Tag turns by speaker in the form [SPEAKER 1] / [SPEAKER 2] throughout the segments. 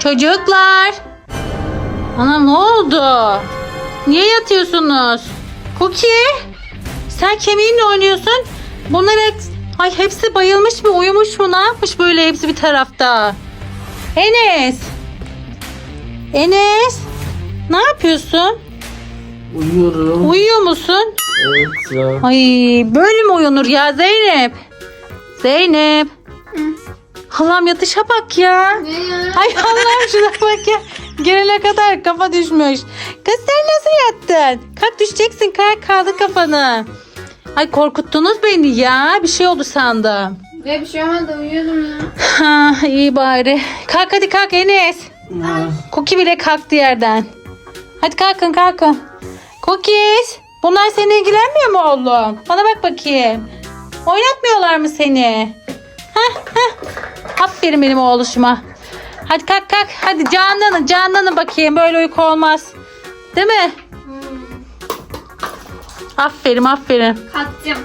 [SPEAKER 1] Çocuklar. Ana ne oldu? Niye yatıyorsunuz? Cookie. Sen kemiğinle oynuyorsun. Bunlar hepsi bayılmış mı? Uyumuş mu? Ne yapmış böyle hepsi bir tarafta? Enes. Enes. Ne yapıyorsun?
[SPEAKER 2] Uyuyorum.
[SPEAKER 1] Uyuyor musun?
[SPEAKER 2] Evet ya.
[SPEAKER 1] Ay böyle mi uyunur ya Zeynep? Zeynep. Allah'ım yatışa bak ya.
[SPEAKER 3] Ne ya?
[SPEAKER 1] Ay Allah'ım şuna bak ya. Gelene kadar kafa düşmüş. Kız sen nasıl yattın? Kalk düşeceksin, kalk, kaldır kafanı. Ay korkuttunuz beni ya. Bir şey oldu sandım.
[SPEAKER 3] Ya bir şey olmadı, uyuyordum ya.
[SPEAKER 1] Ha iyi bari. Kalk hadi kalk Enes. Cookie bile kalktı yerden. Hadi kalkın kalkın. Cookies. Bunlar seninle ilgilenmiyor mu oğlum? Bana bak bakayım. Oynatmıyorlar mı seni? Aferin benim oğluşuma. Hadi kalk kalk. Hadi canlanın bakayım. Böyle uyku olmaz. Değil mi? Aferin.
[SPEAKER 3] Kalkacağım.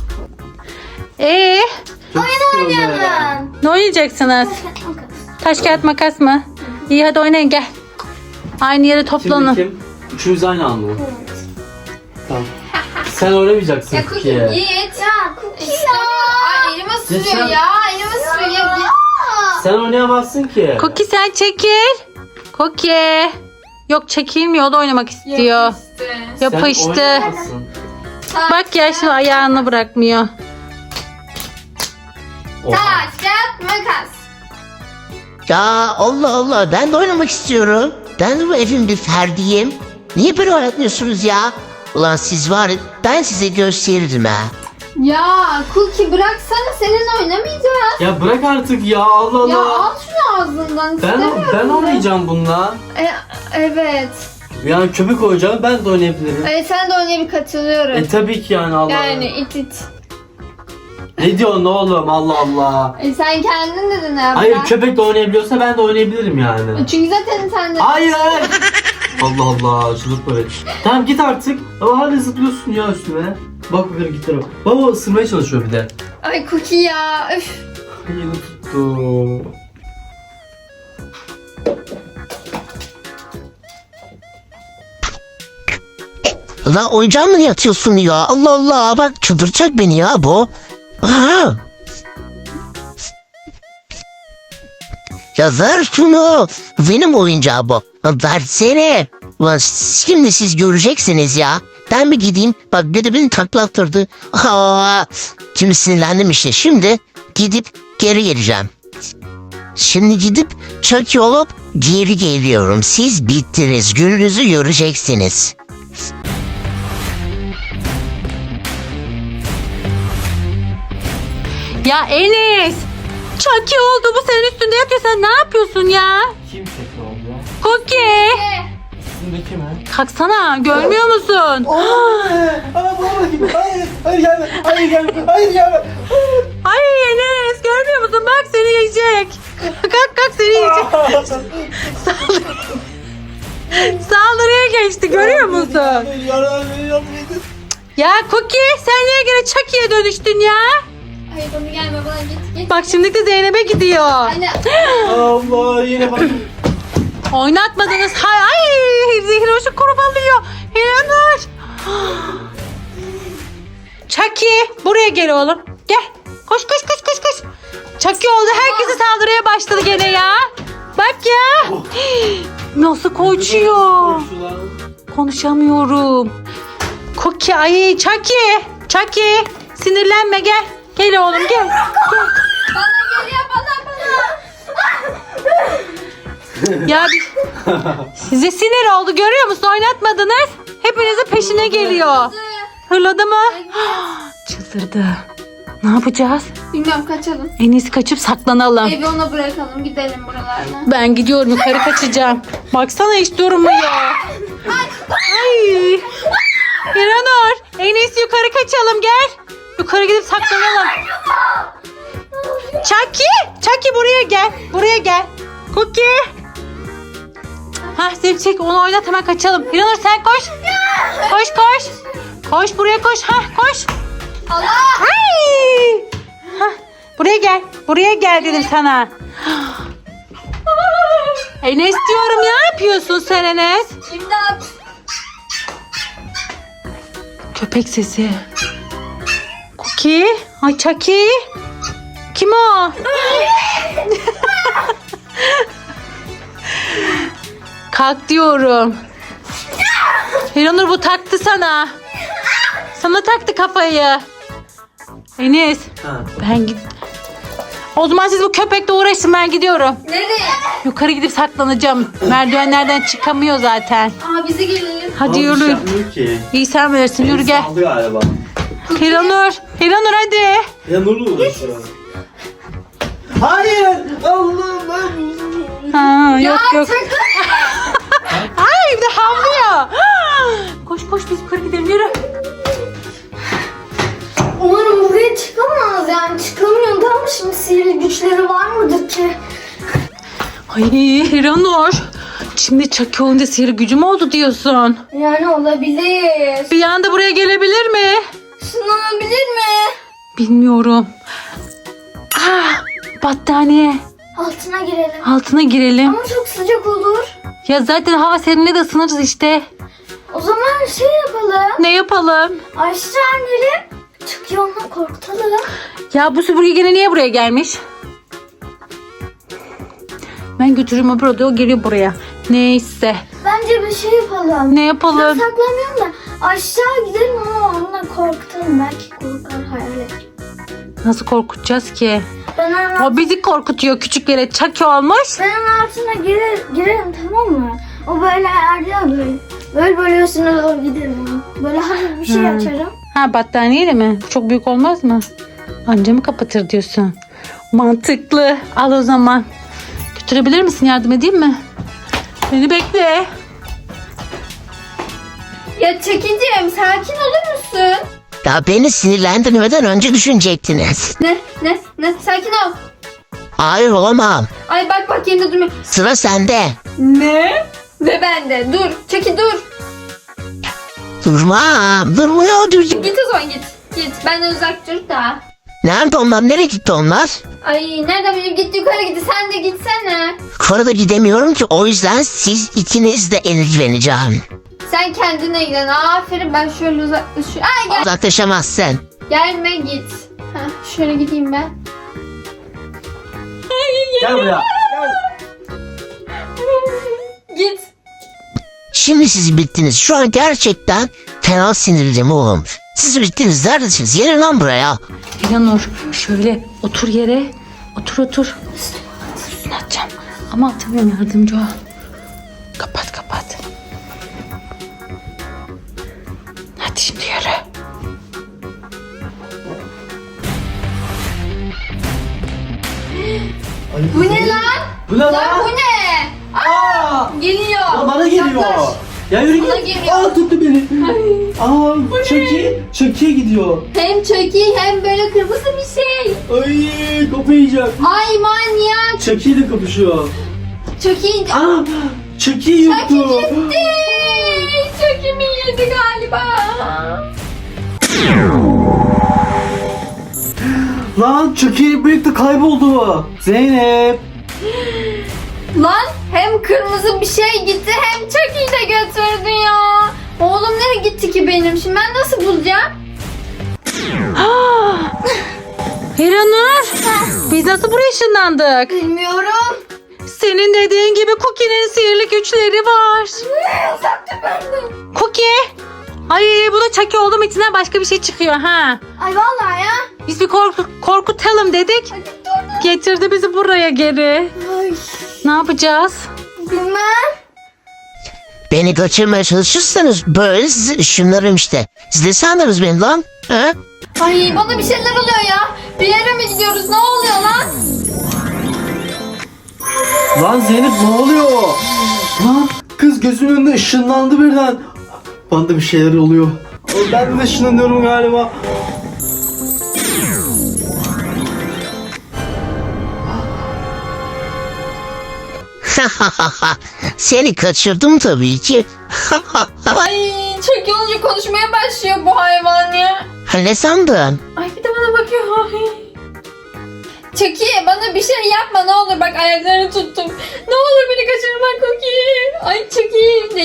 [SPEAKER 2] Çok sıkıldım ya.
[SPEAKER 1] Ne oynayacaksınız? Taş kağıt makas mı? İyi hadi oynayın gel. Aynı yere toplanın.
[SPEAKER 2] Şimdi kim? Üçümüz aynı anda mı? Tamam. Sen oynamayacaksın
[SPEAKER 3] Ya
[SPEAKER 2] ki.
[SPEAKER 3] Cookie git. Ya Cookie ya. Ay elime sürüyor ya. Elime sürüyor. Git.
[SPEAKER 2] Sen oynayamazsın ki.
[SPEAKER 1] Cookie sen çekil. Cookie. Yok çekilmiyor, o da oynamak istiyor.
[SPEAKER 3] Yapıştı.
[SPEAKER 2] Sen
[SPEAKER 1] Yapıştı.
[SPEAKER 2] oynayamazsın.
[SPEAKER 1] Bak ya şimdi ayağını bırakmıyor.
[SPEAKER 2] Oha.
[SPEAKER 3] Taş, kağıt, makas.
[SPEAKER 4] Ya Allah Allah, ben de oynamak istiyorum. Ben de bu evin bir ferdiyim. Niye böyle oynatmıyorsunuz ya? Ulan siz var ya, ben size gösteririm ha.
[SPEAKER 3] Ya Cookie bıraksana, seninle oynamayacağız.
[SPEAKER 2] Ya bırak artık ya, Allah
[SPEAKER 3] Ya
[SPEAKER 2] Allah.
[SPEAKER 3] al şunu ağzından.
[SPEAKER 2] Ben
[SPEAKER 3] istemiyorum.
[SPEAKER 2] oynayacağım bununla.
[SPEAKER 3] Evet.
[SPEAKER 2] Yani köpek oyuncağı ben de oynayabilirim.
[SPEAKER 3] Sen de oynaya bir katılıyorum.
[SPEAKER 2] Tabii ki yani Allah.
[SPEAKER 3] Yani it.
[SPEAKER 2] Ne diyorsun oğlum, Allah Allah.
[SPEAKER 3] Sen kendin dedin ya.
[SPEAKER 2] Hayır,
[SPEAKER 3] bırak.
[SPEAKER 2] köpek de oynayabiliyorsa ben de oynayabilirim yani.
[SPEAKER 3] Çünkü zaten sen de.
[SPEAKER 2] Hayır. Allah Allah, çıldırtma beni. Tamam git artık. Ama hala zıplıyorsun ya üstüme. Bak bakalım git tarafa. Baba ısırmaya çalışıyor bir de.
[SPEAKER 3] Ay Cookie ya. Üf.
[SPEAKER 2] Yine tuttu.
[SPEAKER 4] Lan oyuncağa mı yatıyorsun ya? Allah Allah, bak çıldıracak beni ya bu. Aha. Ya ver şunu. Benim oyuncağı bu. Versene. Ulan şimdi siz göreceksiniz ya. Ben bir gideyim. Bak bir de beni taklattırdı. Şimdi sinirlendim işte. Şimdi gidip geri geleceğim. Şimdi gidip Chucky olup geri geliyorum. Siz bittiniz. Gününüzü göreceksiniz.
[SPEAKER 1] Ya Enes. Chucky oldu, bu senin üstünde yatıyor, sen ne yapıyorsun ya?
[SPEAKER 2] Kim köpek oldu?
[SPEAKER 1] Cookie.
[SPEAKER 2] Üstündeki mi?
[SPEAKER 1] Kalksana, görmüyor musun?
[SPEAKER 2] Hayır gelme.
[SPEAKER 1] Ay Enes, görmüyor musun? Bak seni yiyecek. Kalk seni yiyecek. Saldırıya geçti, görüyor musun? Ya Cookie, sen niye gene Chucky'ye dönüştün ya?
[SPEAKER 3] Hayır bana gelme, bana git.
[SPEAKER 1] Bak şimdi de Zeynep'e gidiyor.
[SPEAKER 3] Anne.
[SPEAKER 2] Allah yine bak.
[SPEAKER 1] Oynatmadınız. Ay Zehroş'u korumalıyor. Hiranur. Chucky buraya gel oğlum. Gel. Koş. Chucky oldu. Herkese saldırıya başladı gene ya. Bak ya. Nasıl koşuyor. Konuşamıyorum. Cookie ay Chucky. Sinirlenme gel. Gel oğlum gel.
[SPEAKER 3] Bana geliyor, bana.
[SPEAKER 1] Ya size sinir oldu, görüyor musun? Oynatmadınız. Hepinizin peşine geliyor. Hırladı mı? Çıldırdı. Ne yapacağız?
[SPEAKER 3] Bilmiyorum, kaçalım.
[SPEAKER 1] En iyisi kaçıp saklanalım.
[SPEAKER 3] Evi ona bırakalım, gidelim buralardan.
[SPEAKER 1] Ben gidiyorum, yukarı kaçacağım. Baksana hiç durmuyor. Ay. İranur, en iyisi yukarı kaçalım, gel. Yukarı gidip saklanalım. Chucky buraya gel. Cookie. Hah Zil çek, onu oynat, hemen kaçalım. İranur sen koş. Koş buraya koş. Hah koş.
[SPEAKER 3] Allah!
[SPEAKER 1] Ay! Hah, buraya gel dedim sana. Enes diyorum, ne yapıyorsun sen Enes?
[SPEAKER 3] İmdat.
[SPEAKER 1] Köpek sesi. Cookie. Ay Chucky. Kim o? Kalk diyorum. Hiranur bu taktı sana. Sana taktı kafayı. Enes
[SPEAKER 2] Ha.
[SPEAKER 1] ben git. O zaman siz bu köpekle uğraşın, ben gidiyorum.
[SPEAKER 3] Nereye?
[SPEAKER 1] Yukarı gidip saklanacağım. Merdivenlerden çıkamıyor zaten.
[SPEAKER 3] Aa bize gelelim.
[SPEAKER 1] Hadi
[SPEAKER 2] Ama bir şey
[SPEAKER 1] yürü.
[SPEAKER 2] yapmıyor ki.
[SPEAKER 1] İyi sen bilirsin, yürü gel.
[SPEAKER 2] Saldı galiba.
[SPEAKER 1] Hiranur. Hiranur hadi.
[SPEAKER 2] Ya Nur'la uğraşıyor. Hayır. Allah'ım ben...
[SPEAKER 1] Ha, yok yok.
[SPEAKER 3] Sakın.
[SPEAKER 1] Ay bir de havlıyor. Koş koş biz yukarı gidelim, yürü.
[SPEAKER 3] Umarım buraya çıkamaz yani. Çıkamıyor da ama şimdi sihirli güçleri var mıdır ki?
[SPEAKER 1] Ay Hiranur. Şimdi Chucky olunca sihir gücüm oldu diyorsun.
[SPEAKER 3] Yani olabilir.
[SPEAKER 1] Bir anda buraya gelebilir mi?
[SPEAKER 3] Sınanabilir mi?
[SPEAKER 1] Bilmiyorum. Battaniye.
[SPEAKER 3] Altına girelim.
[SPEAKER 1] Altına girelim.
[SPEAKER 3] Ama çok sıcak olur.
[SPEAKER 1] Ya zaten hava serinle de ısınırız işte.
[SPEAKER 3] O zaman şey yapalım.
[SPEAKER 1] Ne yapalım?
[SPEAKER 3] Aşağı inelim. Çünkü ondan korkutalım.
[SPEAKER 1] Ya bu süpürge gene niye buraya gelmiş? Ben götürürüm öbür odaya, o geliyor buraya. Neyse.
[SPEAKER 3] Bence bir şey yapalım.
[SPEAKER 1] Ne
[SPEAKER 3] Ben
[SPEAKER 1] yapalım?
[SPEAKER 3] saklanıyorum da aşağı gidelim ama onunla korkutalım. Belki korkar hayalet.
[SPEAKER 1] Nasıl korkutacağız ki?
[SPEAKER 3] Ben onun,
[SPEAKER 1] O bizi korkutuyor, küçük yere Chucky olmuş.
[SPEAKER 3] ben onun altına girerim tamam mı? O böyle erdiyor böyle. Böyle üstüne doğru giderim. Böyle hafif bir şey açarım.
[SPEAKER 1] Ha, battaniyeyle mi? Çok büyük olmaz mı? Anca mı kapatır diyorsun? Mantıklı. Al o zaman. Götürebilir misin? Yardım edeyim mi? Beni bekle.
[SPEAKER 3] Ya Çekicim sakin olur musun?
[SPEAKER 4] Ya beni sinirlendirmeden önce düşünecektiniz.
[SPEAKER 3] Ne? Sakin ol.
[SPEAKER 4] Hayır olamam.
[SPEAKER 3] Ay bak yerinde durmuyor.
[SPEAKER 4] Sıra sende.
[SPEAKER 3] Ne? Ve ben de. Dur. Çeki dur.
[SPEAKER 4] Durmam. Durmuyor.
[SPEAKER 3] Git o zaman git. Git. Benden uzak dur da.
[SPEAKER 4] Nerede onlar? Nereye gitti onlar?
[SPEAKER 3] Ay nereden bileyim git yukarı gitti. Sen de gitsene.
[SPEAKER 4] Yukarıda gidemiyorum ki, o yüzden siz ikiniz de ilgileneceğim.
[SPEAKER 3] Sen kendine giden. Aferin ben şöyle uzaklaşıyorum. Ay gel.
[SPEAKER 4] Uzaklaşamazsın.
[SPEAKER 3] Gelme git. Heh, şöyle gideyim ben.
[SPEAKER 2] Gel buraya.
[SPEAKER 3] Git.
[SPEAKER 4] Şimdi siz bittiniz. Şu an gerçekten fena sinirliyim oğlum. Siz bittiniz. Neredesiniz? Gelin lan buraya.
[SPEAKER 1] Hiranur şöyle otur yere. Otur. Üstüne atacağım. Ama atamıyorum, yardımcı ol. Kapat. Hadi şimdi yürü.
[SPEAKER 3] Bu ne lan?
[SPEAKER 2] Bu ne
[SPEAKER 3] Lan
[SPEAKER 2] lan?
[SPEAKER 3] bu ne?
[SPEAKER 2] Aa!
[SPEAKER 3] Geliyor.
[SPEAKER 2] Aa, bana geliyor.
[SPEAKER 3] Yaklaş.
[SPEAKER 2] Ya yürü
[SPEAKER 3] Bana
[SPEAKER 2] git.
[SPEAKER 3] geliyor.
[SPEAKER 2] Aa tuttu beni. Aa Chucky gidiyor.
[SPEAKER 3] Hem çöki hem böyle kırmızı bir şey.
[SPEAKER 2] Ay kafayı yiyeceğim.
[SPEAKER 3] Ay manyak.
[SPEAKER 2] Chucky ile kapışıyor.
[SPEAKER 3] Çöki.
[SPEAKER 2] Aa Chucky yuttu.
[SPEAKER 3] gitti. Çöki mi yedi galiba?
[SPEAKER 2] Lan Chucky birlikte kayboldu. Zeynep.
[SPEAKER 3] Lan hem kırmızı bir şey gitti hem Chucky'yi de götürdü ya. Oğlum nereye gitti ki benim? Şimdi ben nasıl bulacağım?
[SPEAKER 1] Hiranur biz nasıl buraya ışınlandık?
[SPEAKER 3] Bilmiyorum.
[SPEAKER 1] Senin dediğin gibi Cookie'nin sihirli güçleri var.
[SPEAKER 3] Uzak dur benden.
[SPEAKER 1] Cookie. Ay bu da Chucky oldu mu içinden başka bir şey çıkıyor ha.
[SPEAKER 3] Ay vallahi ya.
[SPEAKER 1] Biz bir korkutalım dedik.
[SPEAKER 3] Hadi gitti oradan.
[SPEAKER 1] Getirdi bizi buraya geri.
[SPEAKER 3] Ay
[SPEAKER 1] Ne yapacağız?
[SPEAKER 3] bilmem.
[SPEAKER 4] Beni kaçırmaya çalışırsanız böyle sizi ışınlarım işte. Siz de sandınız beni lan. He?
[SPEAKER 3] Ay bana bir şeyler oluyor ya. Bir yere mi gidiyoruz? Ne oluyor lan?
[SPEAKER 2] Lan Zeynep ne oluyor? Lan kız gözümün önünde ışınlandı birden. Bana da bir şeyler oluyor. Ben de ışınlanıyorum galiba.
[SPEAKER 4] Seni kaçırdım tabii ki.
[SPEAKER 3] Ay çok olunca konuşmaya başlıyor bu hayvan ya.
[SPEAKER 4] Ne sandın?
[SPEAKER 3] Ay bir de bana bakıyor. Ay. Çeki bana bir şey yapma ne olur bak ayaklarını tuttum. Ne olur beni kaçırma.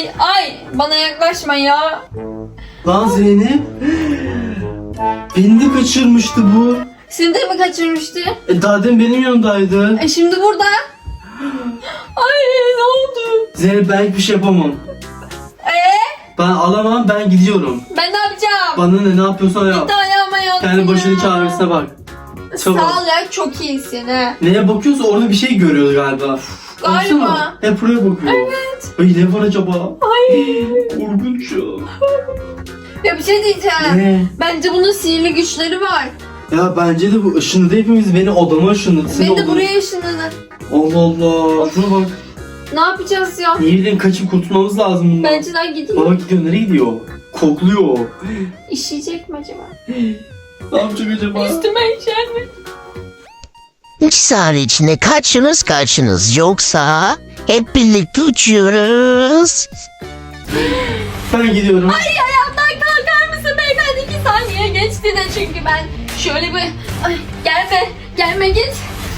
[SPEAKER 3] Ay bana yaklaşma ya.
[SPEAKER 2] Lan Zeynep. Beni de kaçırmıştı bu.
[SPEAKER 3] Seni de mi kaçırmıştı?
[SPEAKER 2] Daha demin benim yanımdaydı.
[SPEAKER 3] Şimdi burada. Ay ne oldu?
[SPEAKER 2] Zeynep ben hiçbir şey yapamam. Ben alamam, ben gidiyorum.
[SPEAKER 3] Ben ne yapacağım?
[SPEAKER 2] Bana ne yapıyorsan yap.
[SPEAKER 3] Bir de ayağıma yattın
[SPEAKER 2] Kendi başının
[SPEAKER 3] ya.
[SPEAKER 2] çaresine bak. Çabuk.
[SPEAKER 3] Sağ ol ya çok iyisin ha.
[SPEAKER 2] Neye bakıyorsa orada bir şey görüyoruz galiba.
[SPEAKER 3] Galiba.
[SPEAKER 2] Baksana, hep buraya bakıyor.
[SPEAKER 3] Evet.
[SPEAKER 2] Ay ne var acaba?
[SPEAKER 3] Ay.
[SPEAKER 2] Korkunç ya.
[SPEAKER 3] Ya bir şey diyeceğim.
[SPEAKER 2] Ne?
[SPEAKER 3] Bence bunun sihirli güçleri var.
[SPEAKER 2] Ya bence de bu ışınladı hepimiz. Beni odama ışınladı. Seni
[SPEAKER 3] Beni de
[SPEAKER 2] odana-
[SPEAKER 3] buraya ışınladı.
[SPEAKER 2] Allah Allah. Şuna bak.
[SPEAKER 3] Ne yapacağız ya?
[SPEAKER 2] Niye bileyim kaçıp kurtulmamız lazım bundan.
[SPEAKER 3] Bence daha gideyim.
[SPEAKER 2] Baba gidiyor, nereye gidiyor? Kokluyor.
[SPEAKER 3] İşeyecek mi acaba?
[SPEAKER 2] Ne yapacak acaba?
[SPEAKER 3] Üstüme işer mi?
[SPEAKER 4] 2 saniye içinde kaçınız yoksa hep birlikte uçuyoruz.
[SPEAKER 2] Ben gidiyorum.
[SPEAKER 3] Ay ayağımdan kalkar mısın beyefendi? 2 saniye geçti de çünkü ben şöyle bir... Ay, gelme git.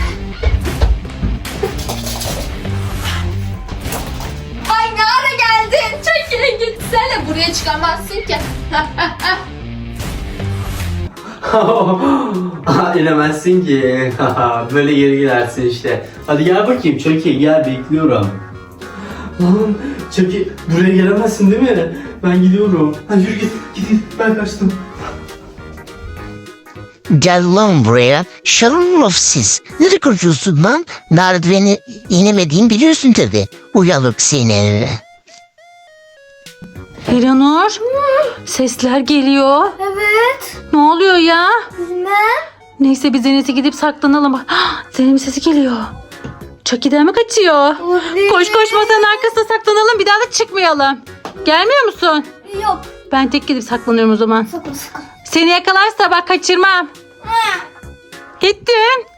[SPEAKER 3] Ay ne ara geldin? Çekilin gitsene, buraya çıkamazsın ki.
[SPEAKER 2] İnemezsin ki. Böyle geri gidersin işte. Hadi gel bakayım Chucky, gel bekliyorum. Lan Chucky buraya gelemezsin değil mi? Ben gidiyorum. Hadi yürü git ben kaçtım.
[SPEAKER 4] Gel lan buraya. Şerefsiz. Nereye kaçıyorsun lan? Merdiveni inemediğimi biliyorsun tabi. Uyanık seni.
[SPEAKER 1] Eleanor, sesler geliyor.
[SPEAKER 3] Evet.
[SPEAKER 1] Ne oluyor ya?
[SPEAKER 3] Ne?
[SPEAKER 1] Neyse biz en iyisi gidip saklanalım. Zeynep'in sesi geliyor. Chucky'den mi kaçıyor? Koş masanın arkasına saklanalım, bir daha da çıkmayalım. Gelmiyor musun?
[SPEAKER 3] Yok.
[SPEAKER 1] Ben tek gidip saklanıyorum o zaman.
[SPEAKER 3] Sakın.
[SPEAKER 1] Seni yakalarsa bak kaçırmam. Gittin.